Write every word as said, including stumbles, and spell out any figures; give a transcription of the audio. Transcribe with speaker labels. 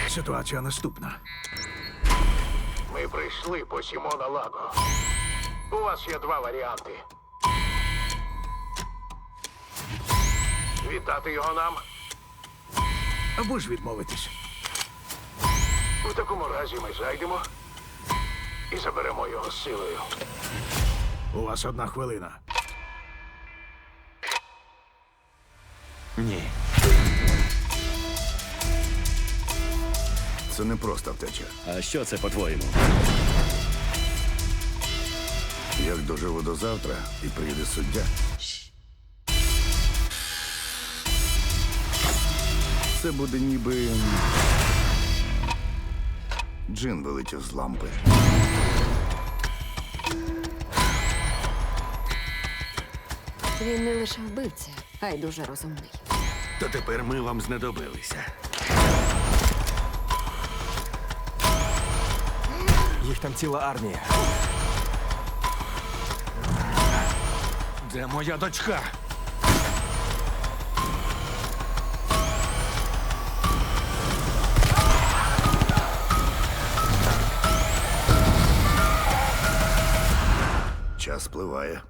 Speaker 1: Ситуація наступна.
Speaker 2: Ми прийшли по Сімона Лаго. У вас є два варіанти. Віддати його нам.
Speaker 1: Або ж відмовитись.
Speaker 2: У такому разі ми зайдемо і заберемо його силою.
Speaker 1: У вас одна хвилина.
Speaker 3: Ні.
Speaker 4: Це не просто втеча.
Speaker 5: А що це, по-твоєму?
Speaker 4: Як доживу до завтра і приїде суддя. Це буде ніби джин вилетів з лампи.
Speaker 6: Він не лише вбивця, а й дуже розумний.
Speaker 3: То тепер ми вам знадобилися.
Speaker 7: Їх там ціла армія.
Speaker 3: Де моя дочка?
Speaker 4: Час спливає.